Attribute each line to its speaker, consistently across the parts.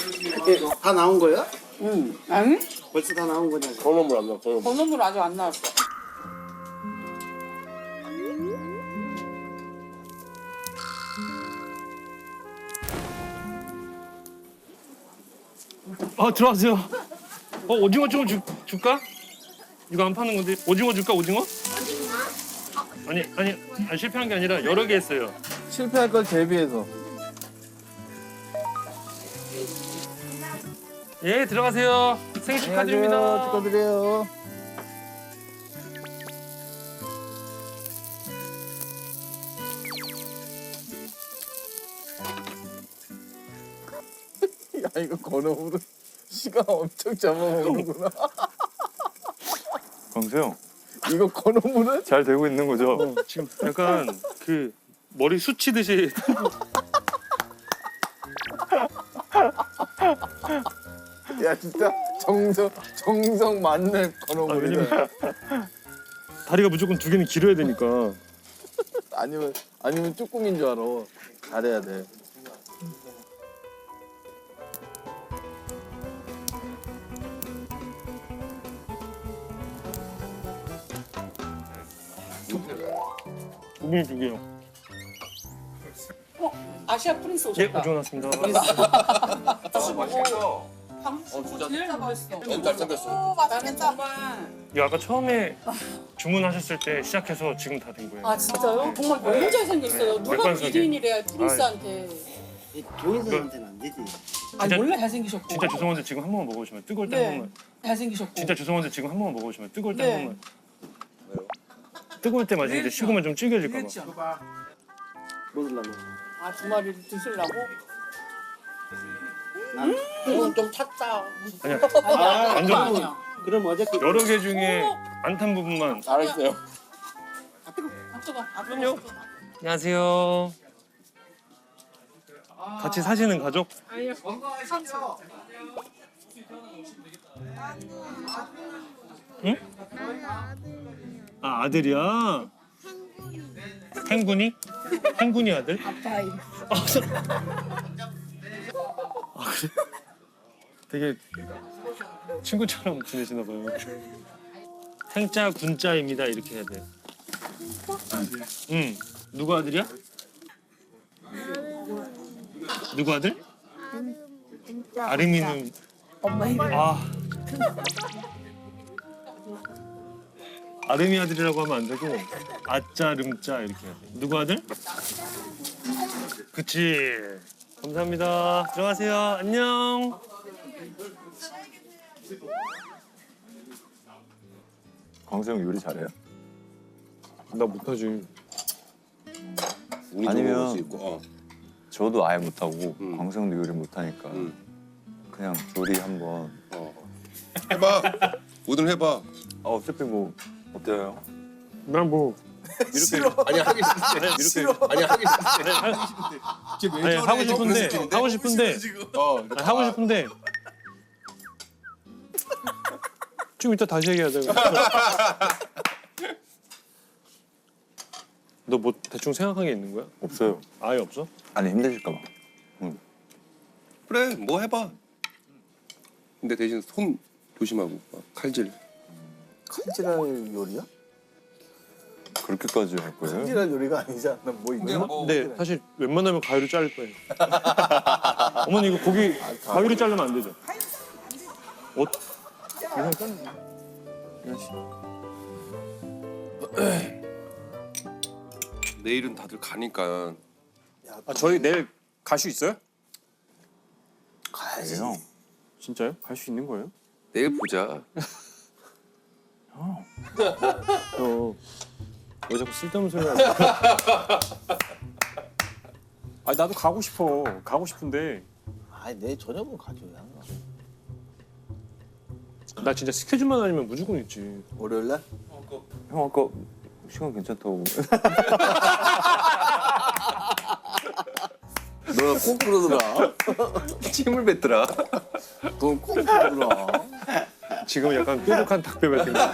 Speaker 1: 다 나온 거야?
Speaker 2: 응. 아니?
Speaker 1: 벌써 다 나온 거냐고.
Speaker 3: 번호물 안 나와. 번호물.
Speaker 2: 번호물 아직 안 나왔어.
Speaker 4: 들어가세요. 오징어 좀 줄까? 이거 안 파는 건데 오징어 줄까? 오징어? 아니 실패한 게 아니라 여러 개 했어요.
Speaker 3: 실패할 걸 대비해서.
Speaker 4: 예, 들어가세요. 생일 축하드립니다.
Speaker 3: 축하드려요. 야, 이거 건어물은 시간 엄청 잡아먹는구나.
Speaker 5: 광수형
Speaker 3: 이거 건어물은?
Speaker 5: 잘 되고 있는 거죠?
Speaker 4: 지금 약간 그 머리 수치듯이
Speaker 3: 야, 진짜 정성 맞는 건어물이네.
Speaker 4: 왜냐면 다리가 무조건 두 개는 길어야 되니까.
Speaker 3: 아니면 쭈꾸미인 줄 알아. 잘해야 돼.
Speaker 4: 고기 두 개요.
Speaker 2: 아시아 프린스
Speaker 4: 예,
Speaker 2: 오셨다.
Speaker 4: 오징어 났습니다.
Speaker 2: 맛있어. 방금 제일 맛있어.
Speaker 3: 잘생겼어.
Speaker 2: 맛있겠다.
Speaker 4: 이거 아까 처음에 주문하셨을 때 시작해서 지금 다 된 거예요.
Speaker 2: 아 진짜요? 정말 너무 잘생겼어요. 누가
Speaker 4: 맥반석이.
Speaker 2: 미인이래요 프린스한테.
Speaker 1: 조인성한테는 안 되지.
Speaker 2: 아니
Speaker 4: 진짜-
Speaker 2: 원래 잘생기셨고.
Speaker 4: 진짜 죄송한데 지금 한 번만 먹어보시면 뜨거울 때 한
Speaker 2: 네.
Speaker 4: 번만.
Speaker 2: 잘생기셨고.
Speaker 4: 진짜 죄송한데 지금 한 번만 먹어보시면 뜨거울 때
Speaker 2: 네.
Speaker 4: 한 번만. 뜨거울 때 마시는데 식으면 좀 질겨질까 봐.
Speaker 1: 먹으려면.
Speaker 2: 아 두 마리를 드시려고?
Speaker 1: 이건 좀 찼다.
Speaker 4: 아니야.
Speaker 2: 아니야.
Speaker 4: 완전-
Speaker 2: 아니야.
Speaker 1: 그럼 어저께
Speaker 4: 여러 개 중에 안 탄 부분만.
Speaker 3: 잘했어요.
Speaker 2: 아 뜨거. 아
Speaker 4: 그럼요. 안녕하세요. 같이 사시는 가족?
Speaker 2: 아니요.
Speaker 4: 응? 아 아들이야? 행군이? 행군이 아들?
Speaker 2: 아빠 이름.
Speaker 4: 아 그래? 되게 친구처럼 지내시나 봐요. 생자 군자입니다 이렇게 해야 돼. 응. 누구 아들이야? 누구 아들? 아름이는
Speaker 2: 엄마 이름.
Speaker 4: 아 아름이 아들이라고 하면 안 되고 아짜 름짜 이렇게 해야 돼. 누구 아들? 그치. 감사합니다. 들어가세요. 안녕.
Speaker 5: 광수형 요리 잘해요?
Speaker 4: 나 못하지.
Speaker 5: 아니면
Speaker 3: 있고.
Speaker 5: 저도 아예 못하고
Speaker 3: 음.
Speaker 5: 광수형도 요리 못하니까 그냥 요리 한번
Speaker 6: 해봐. 뭐든 해봐.
Speaker 5: 어차피 뭐 어때요?
Speaker 4: 난 뭐
Speaker 5: 이렇게
Speaker 6: 아니 하기 싫대.
Speaker 5: 이렇게
Speaker 6: 아니 하기 싫대.
Speaker 4: 아니, 하고 싶은데 하고 싶은데 아니, 하고 싶은데 좀 이따 다시 얘기하자. 너 뭐 대충 생각한 게 있는 거야?
Speaker 5: 없어요.
Speaker 4: 아예 없어?
Speaker 5: 아니 힘드실까 봐.
Speaker 6: 그래 뭐 해봐. 근데 대신 손 조심하고 막 칼질.
Speaker 3: 칼질할 요리야?
Speaker 5: 그렇게까지 할 거예요?
Speaker 3: 칼질할 요리가 아니지 않나? 뭐 있나?
Speaker 4: 근데 사실 웬만하면 가위로 자를 거예요. 어머니 이거 고기 가위로 자르면 안 되죠?
Speaker 5: 이건 짠. 이건 씨.
Speaker 6: 내일은 다들 가니까
Speaker 7: 아, 저희 내일 갈 수 있어요?
Speaker 3: 가야지.
Speaker 5: 형.
Speaker 7: 진짜요? 갈 수 있는 거예요?
Speaker 6: 내일 보자.
Speaker 4: 왜 자꾸 쓸데없는 소리 하냐?
Speaker 7: 아 나도 가고 싶어. 가고 싶은데
Speaker 3: 아니 내일 저녁은 가줘야.
Speaker 4: 나 진짜 스케줄만 아니면 무조건 있지.
Speaker 3: 월요일 날?
Speaker 5: 형 아까 시간 괜찮다고.
Speaker 3: 너가 꼭 그러더라.
Speaker 6: 침을 뱉더라.
Speaker 3: 넌 꼭 그러더라.
Speaker 4: 지금 약간 뾰족한 닭뼈 같은 거.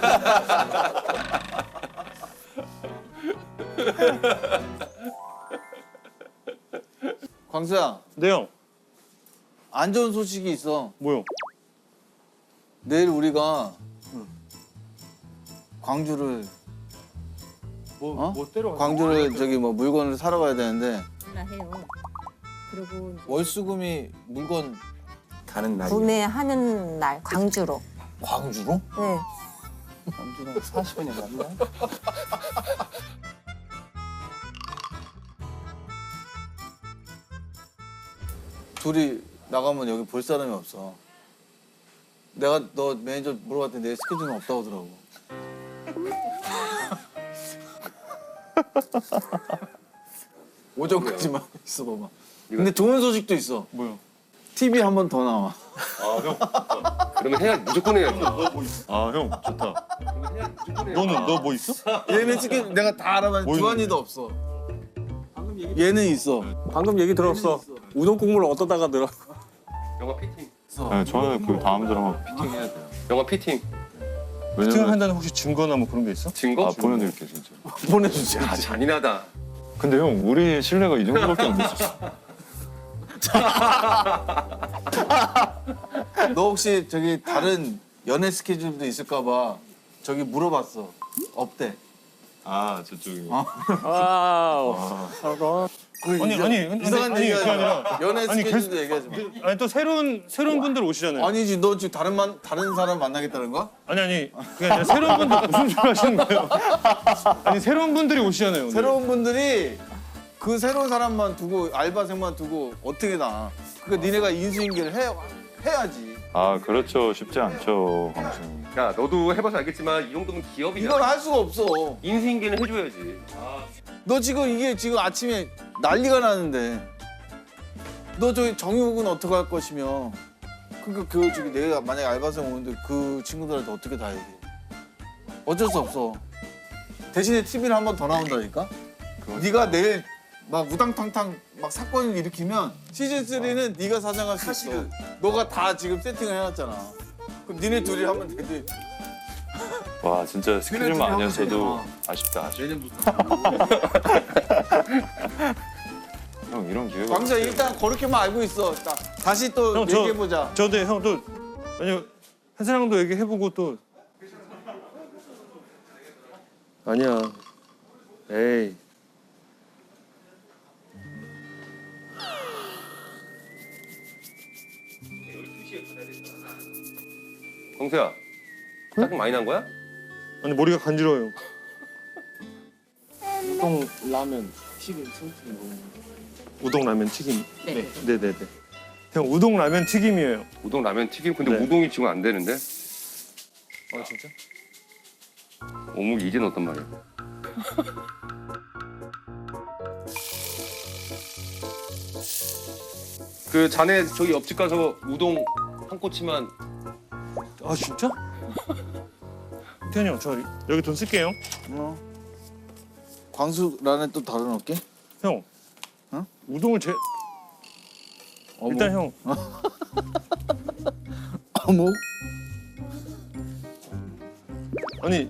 Speaker 3: 광수야,
Speaker 4: 네 형.
Speaker 3: 안 좋은 소식이 있어.
Speaker 4: 뭐요?
Speaker 3: 내일 우리가 광주를
Speaker 4: 뭐 때려?
Speaker 3: 광주를 저기 뭐 물건을 사러 가야 되는데
Speaker 8: 해요. 그리고
Speaker 3: 월수금이 물건
Speaker 6: 가는 날이.
Speaker 8: 구매하는 날 광주로.
Speaker 3: 광주로?
Speaker 8: 네.
Speaker 1: 남주랑 40원이 맞나?
Speaker 3: 둘이 나가면 여기 볼 사람이 없어. 내가 너 매니저 물어봤더니 내 스케줄은 없다고 하더라고. 오전까지만 있어 봐봐. 근데 좋은 소식도 있어.
Speaker 4: 뭐요?
Speaker 3: TV 한 번 더 나와.
Speaker 4: 아 형.
Speaker 6: 그러면 해야 무조건 해야지.
Speaker 4: 아 형 좋다. 너는 너 뭐 있어?
Speaker 3: 얘는 스케줄 내가 다 알아봤는데
Speaker 4: 뭐
Speaker 3: 주한이도 없어. 얘는 있어.
Speaker 7: 방금 얘기 들었어. 우동 국물 어떠다가 들어.
Speaker 6: 영화 피팅.
Speaker 5: 네, 저는 그 다음 드라마 피팅 해야 돼요.
Speaker 6: 영화 피팅.
Speaker 5: 왜냐면
Speaker 4: 피팅한다는 혹시 증거나 뭐 그런 게 있어?
Speaker 6: 증거?
Speaker 5: 아 보내드릴게 진짜.
Speaker 3: 보내주지.
Speaker 6: 아 잔인하다.
Speaker 5: 근데 형 우리 신뢰가 이 정도밖에 안 됐었어.
Speaker 3: 너 혹시 저기 다른 연애 스케줄도 있을까봐 저기 물어봤어. 없대.
Speaker 5: 아 저쪽이.
Speaker 4: 아니
Speaker 3: 이상한
Speaker 4: 아니,
Speaker 3: 얘기하지
Speaker 4: 그게
Speaker 3: 마.
Speaker 4: 아니라
Speaker 3: 연애
Speaker 4: 아니,
Speaker 3: 스케줄도 얘기하지 마.
Speaker 4: 아니 또 새로운 분들 오시잖아요.
Speaker 3: 아니지 너 지금 다른 사람 만나겠다는 거야?
Speaker 4: 아니 그게 아니라 새로운 분들 무슨 소리 하시는 거예요? 아니 새로운 분들이 오시잖아요. 오늘.
Speaker 3: 새로운 분들이 그 새로운 사람만 두고 알바생만 두고 어떻게 나? 그러니까 니네가 인수인계를 해야지.
Speaker 5: 아 그렇죠 쉽지 않죠 광수.
Speaker 6: 야 너도 해봐서 알겠지만 이 정도면 기업이야.
Speaker 3: 이걸 할 수가 없어.
Speaker 6: 인수인계는 해줘야지.
Speaker 3: 너 지금 이게 지금 아침에 난리가 나는데 너 저기 정육은 어떻게 할 것이며 그러니까 그 저기 내가 만약에 알바생 오는데 그 친구들한테 어떻게 다 얘기해? 어쩔 수 없어. 대신에 TV를 한 번 더 나온다니까? 네가 내일 막 우당탕탕 막 사건을 일으키면 시즌 3는 네가 사장할 수 있어. 너가 다 지금 세팅을 해놨잖아. 그럼 니네 둘이 하면 되지.
Speaker 5: 와 진짜 스케줄만 아니었어도 아쉽다.
Speaker 3: 내년 무슨?
Speaker 5: 형 이런 기회가.
Speaker 3: 광수야 일단 그렇게만 알고 있어. 자, 다시 또
Speaker 4: 형, 저-
Speaker 3: 얘기해보자.
Speaker 4: 저도 형또 아니 한사랑도 얘기해보고 또 아니야. 에이.
Speaker 6: 광수야. 짜증 많이 난 거야?
Speaker 4: 아니 머리가 간지러워요.
Speaker 1: 우동 라면 튀김 something 뭐.
Speaker 4: 우동 라면 튀김.
Speaker 2: 네.
Speaker 4: 네네네. 형 우동 라면 튀김이에요.
Speaker 6: 우동 라면 튀김. 근데
Speaker 4: 네.
Speaker 6: 우동이 지금 안 되는데?
Speaker 4: 아 진짜?
Speaker 6: 어묵 이제 넣었단 말이야. 그 자네 저기 옆집 가서 우동 한 꼬치만.
Speaker 4: 아 진짜? 태현이 형, 저 여기 돈 쓸게요.
Speaker 3: 광수란에 또 다른 어깨?
Speaker 4: 형.
Speaker 3: 어?
Speaker 4: 우동을 일단 형.
Speaker 3: 어묵?
Speaker 4: 아니.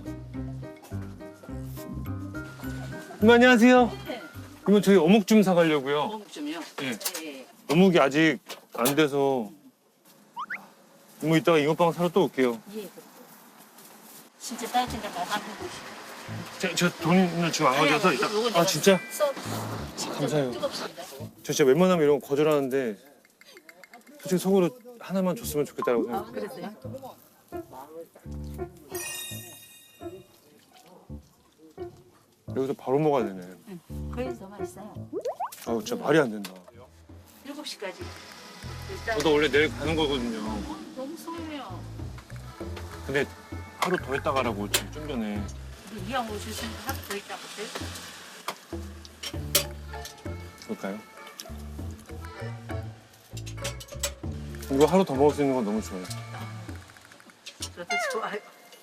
Speaker 4: 안녕하세요. 그러면 저희 어묵 좀 사가려고요.
Speaker 2: 어묵좀요.
Speaker 4: 예.
Speaker 2: 네.
Speaker 4: 어묵이 아직 안 돼서. 뭐 이따가 잉어빵 사러 또 올게요.
Speaker 8: 예. 진짜 따뜻한 거 하는 곳이.
Speaker 4: 저 돈을 지금 안 가져서 이따. 아 진짜? 감사해요.
Speaker 8: 뜨겁습니다.
Speaker 4: 저 진짜 웬만하면 이런 거 거절하는데 솔직히 속으로 하나만 줬으면 좋겠다고 생각해요.
Speaker 8: 그랬어요?
Speaker 4: 여기서 바로 먹어야 되네.
Speaker 8: 거기서 더 맛있어요.
Speaker 4: 아 진짜 말이 안 된다.
Speaker 8: 7시까지. 일단
Speaker 4: 저도 원래 내일 가는 거거든요.
Speaker 8: 너무 소해요.
Speaker 4: 근데 하루 더 있다 가라고 지금 좀 전에.
Speaker 8: 이왕 오셨으면 하루 더 있다 보세요.
Speaker 4: 그럴까요? 이거 하루 더 먹을 수 있는 건 너무 좋아요.
Speaker 8: 저도 좋아요.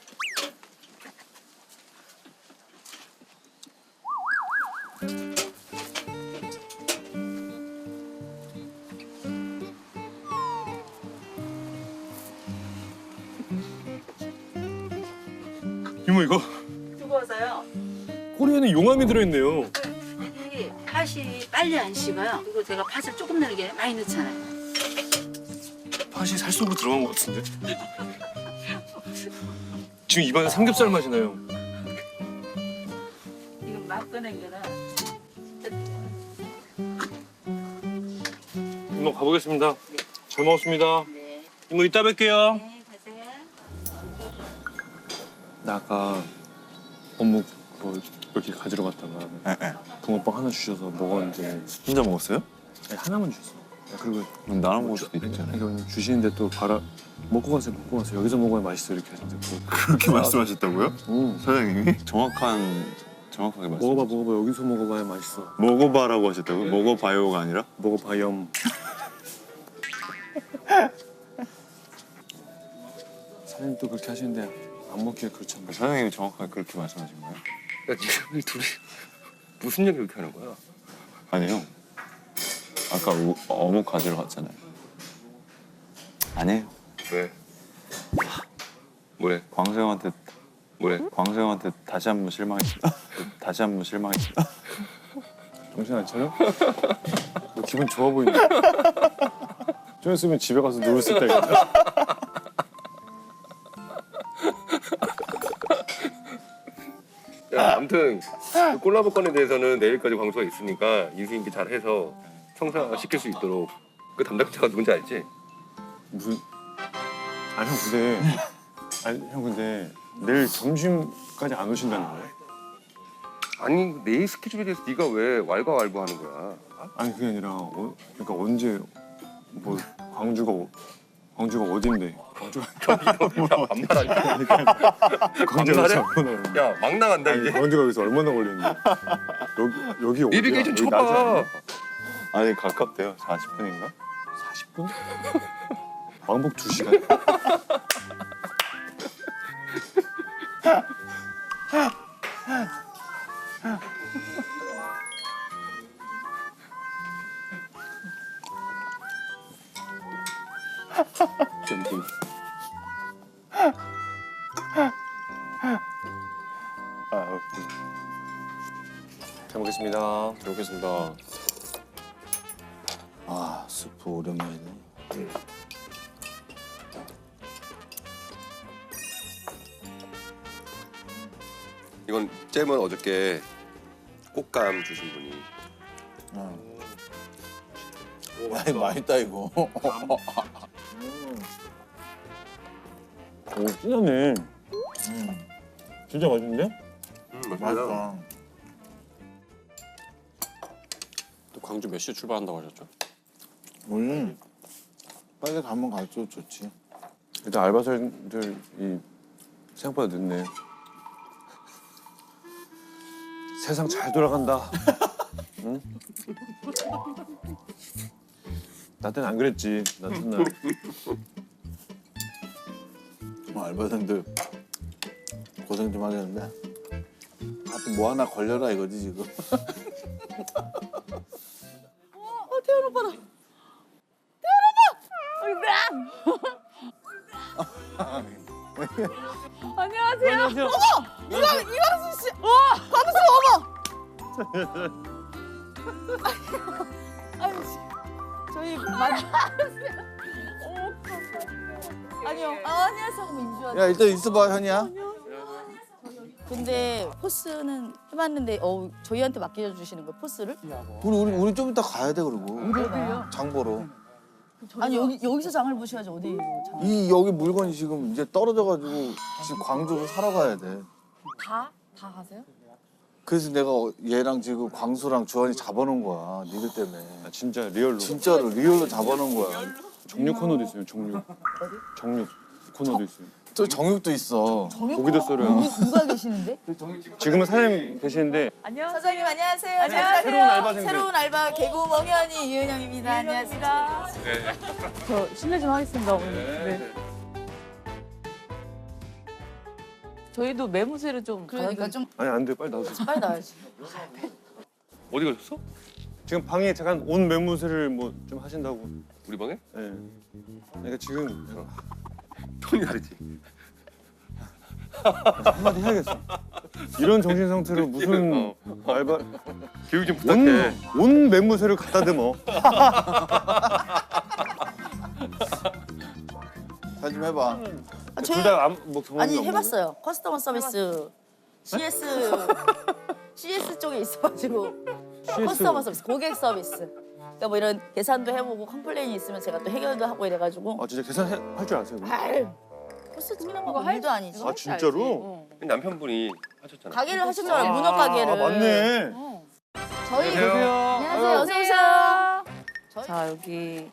Speaker 4: 이모 이거
Speaker 8: 뜨거워서요.
Speaker 4: 꼬리에는 용암이 들어있네요.
Speaker 8: 이 팥이 빨리 안 식어요. 그리고 제가 팥을 조금 넣는 게 많이 넣잖아요.
Speaker 4: 팥이 살 속으로 들어간 것 같은데. 지금 입안에 삼겹살 맛이 나요.
Speaker 8: 이건 막 꺼낸 거는
Speaker 4: 이모 가보겠습니다. 잘 먹었습니다.
Speaker 8: 네.
Speaker 4: 이모 이따 뵐게요.
Speaker 8: 네, 가세요.
Speaker 7: 나 아까 어묵 뭐 이렇게 가지러 갔다가 붕어빵 하나 주셔서 먹었는데
Speaker 5: 혼자 먹었어요?
Speaker 7: 아니, 하나만 주셨어. 그리고
Speaker 5: 그럼 나랑 먹을 수도 있잖아요.
Speaker 7: 이거 주시는데 또 먹고 가세요. 여기서 먹어야 맛있어 이렇게 하셨는데
Speaker 5: 그렇게 말씀하셨다고요?
Speaker 7: 응.
Speaker 5: 사장님이? 정확하게 말씀.
Speaker 7: 먹어봐. 여기서 먹어봐야 맛있어.
Speaker 5: 먹어봐라고 하셨다고요? 먹어봐요가 아니라?
Speaker 7: 먹어봐염. 사장님 또 그렇게 하시는데 안 먹기가 그렇잖아.
Speaker 5: 사장님이 정확하게 그렇게 말씀하신 거예요?
Speaker 6: 야 지금 이 둘이 무슨 얘기 이렇게 하는 거야?
Speaker 5: 아니요. 아까 어묵 가지러 갔잖아요. 아니에요.
Speaker 6: 왜? 뭐래?
Speaker 5: 광수형한테 다시 한 번 실망했습니다.
Speaker 7: 정신 안 차려? 너 기분 좋아 보이네. 좀 있으면 집에 가서 누울 수 있다겠다.
Speaker 6: 야 아무튼 그 콜라보 건에 대해서는 내일까지 광수가 있으니까 인수인계 잘해서 성사시킬 수 있도록 그 담당자가 누군지 알지?
Speaker 7: 무슨? 형 근데 내일 점심까지 안 오신다는 거야?
Speaker 6: 아니 내일 스케줄에 대해서 네가 왜 왈가왈부하는 거야?
Speaker 7: 아니 그게 아니라 그러니까 언제 뭐 광주가 어딘데?
Speaker 6: 반말하니까
Speaker 7: 광주가
Speaker 6: 반말해?
Speaker 7: 얼마나
Speaker 6: 야 막 나간다
Speaker 7: 아니
Speaker 6: 이제
Speaker 7: 광주가 여기서 얼마나 걸리는데? 여기 어디야?
Speaker 6: 내비게이션
Speaker 7: 여기 낮이
Speaker 6: 쳐봐.
Speaker 7: 아니야?
Speaker 5: 아니 가깝대요. 40분인가?
Speaker 7: 40분? 왕복 2시간?
Speaker 6: 점심.
Speaker 5: 오케이.
Speaker 7: 잘 먹겠습니다. 잘 먹겠습니다.
Speaker 3: 아 스프 오랜만이네.
Speaker 6: 이건 잼은 어저께 꽃감 주신 분이.
Speaker 3: 야 이거 맛있다 이거.
Speaker 7: 오 진짜네. 진짜 맛있는데?
Speaker 3: 맛있다.
Speaker 7: 또 광주 몇 시에 출발한다고 하셨죠?
Speaker 3: 원래 빨리 가면 갈수록 좋지.
Speaker 7: 일단 알바생들이 생각보다 늦네. 세상 잘 돌아간다. 응? 나 때는 안 그랬지. 나 첫날.
Speaker 3: 알바생들 고생 좀 하겠는데 하여튼 뭐 하나 걸려라 이거지 지금.
Speaker 2: 태연 오빠다. 안녕하세요. 어머, 이광수 씨. 와, 광수 어머. 아니, 저희 아니요. 안녕하세요. 민주아.
Speaker 3: 야 일단 있어봐 현이야.
Speaker 2: 근데 포스는 해봤는데 저희한테 맡겨주시는 거 포스를?
Speaker 3: 우리 좀 이따 가야 돼 그러고. 장 보러.
Speaker 2: 아니 여기서 장을 보셔야지 어디 장?
Speaker 3: 이 여기 물건이 지금 이제 떨어져가지고 지금 광주로 사러 가야 돼.
Speaker 2: 다 가세요?
Speaker 3: 그래서 내가 얘랑 지금 광수랑 주환이 잡아놓은 거야 니들 때문에.
Speaker 7: 아, 진짜 리얼로.
Speaker 3: 진짜로 리얼로 잡아놓은 거야.
Speaker 7: 정육 코너도 있어요. 정육. 정육 코너도 있어요.
Speaker 3: 또 정육도 있어.
Speaker 7: 고기도 썰어요.
Speaker 2: 누가 계시는데?
Speaker 7: 지금은 사장님 계시는데
Speaker 2: 사장님 안녕하세요.
Speaker 7: 안녕하세요. 새로운 알바생들.
Speaker 2: 새로운 알바 개구 멍현이 이은영입니다. 안녕하세요.
Speaker 9: 저 실례 좀 하겠습니다, 어머니. 네. 저희도 매무새를 좀
Speaker 2: 그러니까 좀
Speaker 7: 아니 안 돼. 빨리 나오세요.
Speaker 2: 빨리 나와야지.
Speaker 6: 어디 가셨어?
Speaker 7: 지금 방에 잠깐 온 매무새를 뭐 좀 하신다고.
Speaker 6: 우리 방에?
Speaker 7: 예. 그러니까 지금
Speaker 6: 톤이 다르지.
Speaker 7: 한마디 해야겠어. 이런 정신 상태로 무슨 알바
Speaker 6: 교육 좀 부탁해.
Speaker 7: 온 매무새를 갖다 대머.
Speaker 3: 좀 해봐.
Speaker 2: 저희
Speaker 7: 둘다뭐 경험이
Speaker 2: 아니
Speaker 7: 없는
Speaker 2: 해봤어요. 커스터머 서비스 CS 쪽에 있어가지고 커스터머 서비스 고객 서비스. 그러니까 뭐 이런 계산도 해보고 컴플레인이 있으면 제가 또 해결도 하고 이래가지고.
Speaker 7: 아 진짜 계산할 줄 아세요? 그럼?
Speaker 2: 아유, 벌써 찍는 거 일도 아니지.
Speaker 7: 아 진짜로?
Speaker 6: 남편분이 하셨잖아요.
Speaker 2: 가게를 하셨잖아요. 문어 가게를.
Speaker 7: 아 맞네.
Speaker 2: 저희
Speaker 6: 안녕하세요.
Speaker 2: 안녕하세요. 어서 오세요.
Speaker 9: 자 여기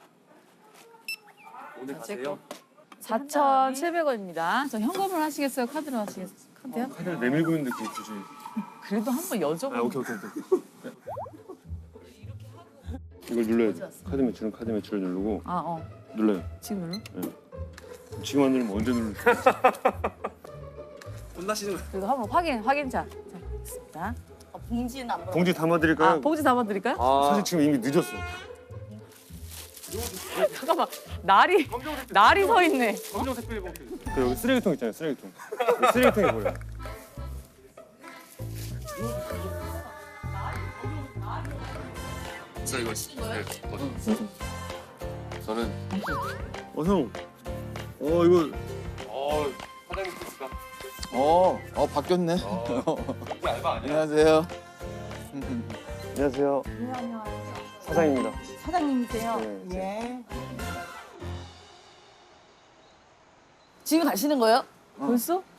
Speaker 6: 오늘 가세요?
Speaker 9: 4,700원입니다. 저 현금으로 하시겠어요? 카드로 하시겠어요? 카드요?
Speaker 7: 카드를 내밀고 있는데 그게 굳이.
Speaker 9: 그래도 한번 여쭤보고.
Speaker 7: 아 오케이. 이걸 눌러야 돼. 카드 매출을 누르고
Speaker 9: 아 어.
Speaker 7: 눌러요.
Speaker 9: 지금 눌러?
Speaker 7: 지금 안 누르면 언제 누르?
Speaker 1: 혼나시는 거.
Speaker 9: 그리고 한번 확인차. 자, 있습니다.
Speaker 2: 봉지는 안 물어.
Speaker 7: 봉지 담아드릴까요?
Speaker 9: 아 봉지 담아드릴까요?
Speaker 7: 사실 지금 이미 늦었어.
Speaker 9: 잠깐만 날이 서 있네.
Speaker 7: 그 여기 쓰레기통 있잖아요. 쓰레기통. 여기 쓰레기통에 보여요.
Speaker 6: 저 이거 저는
Speaker 7: 형. 이거
Speaker 6: 사장님 뜻이가
Speaker 3: 바뀌었네.
Speaker 6: 이게 알바 아니야?
Speaker 3: 안녕하세요.
Speaker 7: 안녕하세요. 사장입니다.
Speaker 2: 사장님이세요?
Speaker 7: 네.
Speaker 2: 예. 지금 가시는 거예요?
Speaker 9: 벌써?